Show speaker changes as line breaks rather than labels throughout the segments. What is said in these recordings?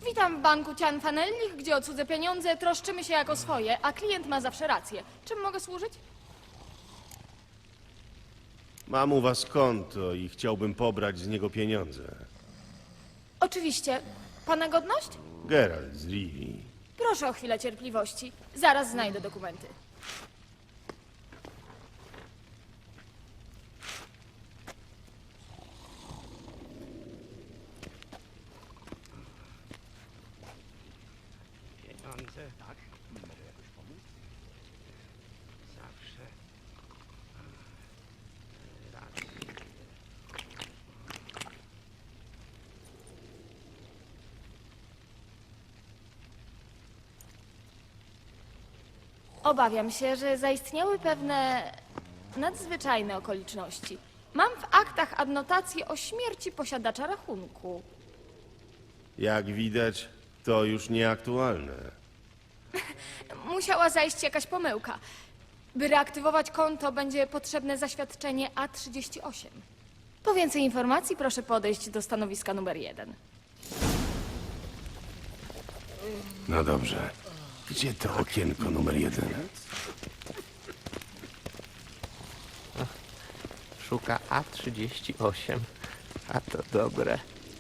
Witam w banku Cianfanellich, gdzie o cudze pieniądze troszczymy się jako swoje, a klient ma zawsze rację. Czym mogę służyć?
Mam u was konto i chciałbym pobrać z niego pieniądze.
Oczywiście. Pana godność?
Geralt z Rivii.
Proszę o chwilę cierpliwości. Zaraz znajdę dokumenty.
Pieniądze, tak? Mogę jakoś pomóc? Zawsze. Raz.
Obawiam się, że zaistniały pewne nadzwyczajne okoliczności. Mam w aktach adnotację o śmierci posiadacza rachunku.
Jak widać, to już nieaktualne.
Musiała zajść jakaś pomyłka. By reaktywować konto, będzie potrzebne zaświadczenie A38. Po więcej informacji proszę podejść do stanowiska numer 1.
No dobrze. Gdzie to okienko numer 1?
Szuka A38. A to dobre.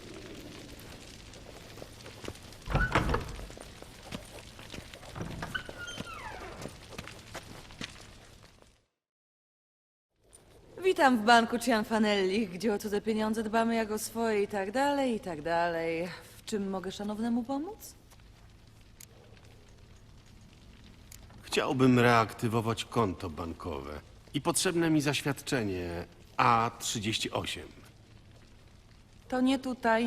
Witam w banku Cianfanellich, gdzie o cudze pieniądze dbamy jak o swoje i tak dalej, i tak dalej. W czym mogę szanownemu pomóc?
Chciałbym reaktywować konto bankowe i potrzebne mi zaświadczenie A38.
To nie tutaj.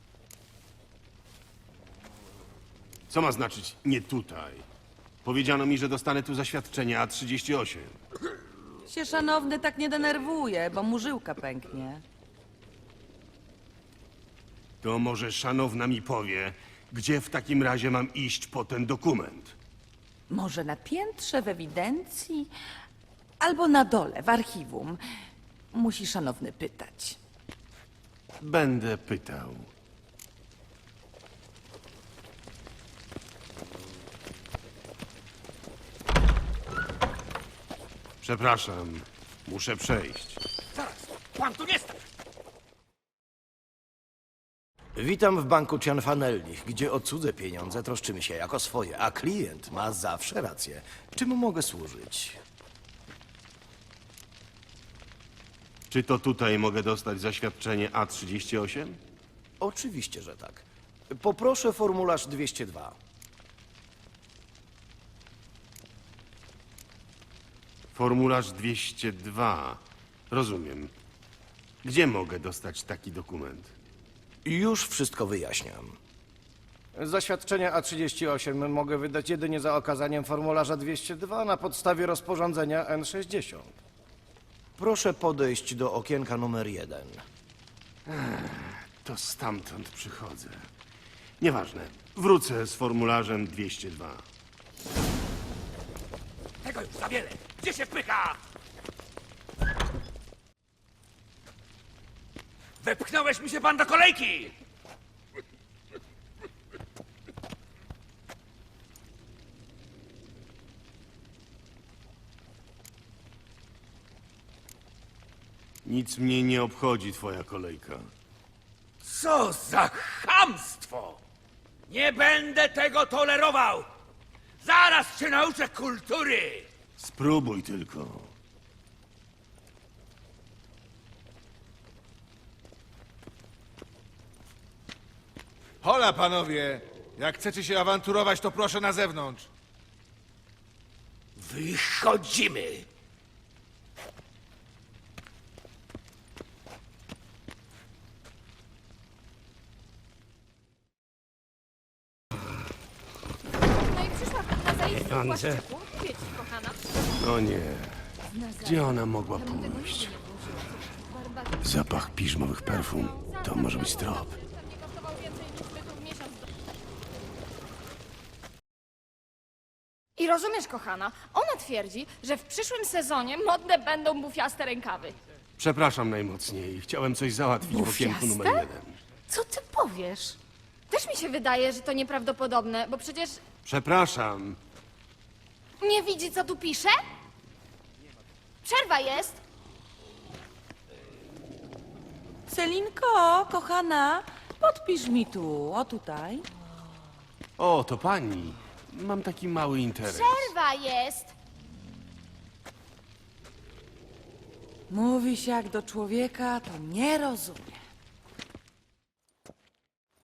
Co ma znaczyć nie tutaj? Powiedziano mi, że dostanę tu zaświadczenie A38.
Się szanowny tak nie denerwuje, bo mu żyłka pęknie.
To może szanowna mi powie, gdzie w takim razie mam iść po ten dokument?
Może na piętrze w ewidencji? Albo na dole w archiwum. Musi szanowny pytać.
Będę pytał. Przepraszam, muszę przejść.
Witam w banku Cianfanellich, gdzie o cudze pieniądze troszczymy się jako swoje, a klient ma zawsze rację. Czym mogę służyć?
Czy to tutaj mogę dostać zaświadczenie A38?
Oczywiście, że tak. Poproszę formularz 202.
Formularz 202. Rozumiem. Gdzie mogę dostać taki dokument?
Już wszystko wyjaśniam. Zaświadczenie A38 mogę wydać jedynie za okazaniem formularza 202 na podstawie rozporządzenia N60. Proszę podejść do okienka numer 1.
To stamtąd przychodzę. Nieważne. Wrócę z formularzem 202.
Tego już za wiele! Gdzie się wpycha? Wepchnąłeś mi się pan do kolejki!
Nic mnie nie obchodzi twoja kolejka.
Co za chamstwo! Nie będę tego tolerował! Zaraz cię nauczę kultury!
Spróbuj tylko.
Hola, panowie! Jak chcecie się awanturować, to proszę na zewnątrz.
Wychodzimy!
No i przyszła na zaistniał
Pieniądze.
płaszczyku. Mówię ci, kochana.
No nie. Gdzie ona mogła pójść? Zapach piżmowych perfum. To może być trop.
Pewnie kosztował więcej niż my tu w miesiąc. I rozumiesz, kochana, ona twierdzi, że w przyszłym sezonie modne będą bufiaste rękawy.
Przepraszam najmocniej. Chciałem coś załatwić w okienku numer
Bufiaste?
1.
Co ty powiesz? Też mi się wydaje, że to nieprawdopodobne, bo przecież
Przepraszam.
nie widzi, co tu pisze? Przerwa jest.
Selinko, kochana, podpisz mi tu, o tutaj.
O, to pani. Mam taki mały interes.
Przerwa jest.
Mówisz jak do człowieka, to nie rozumiem.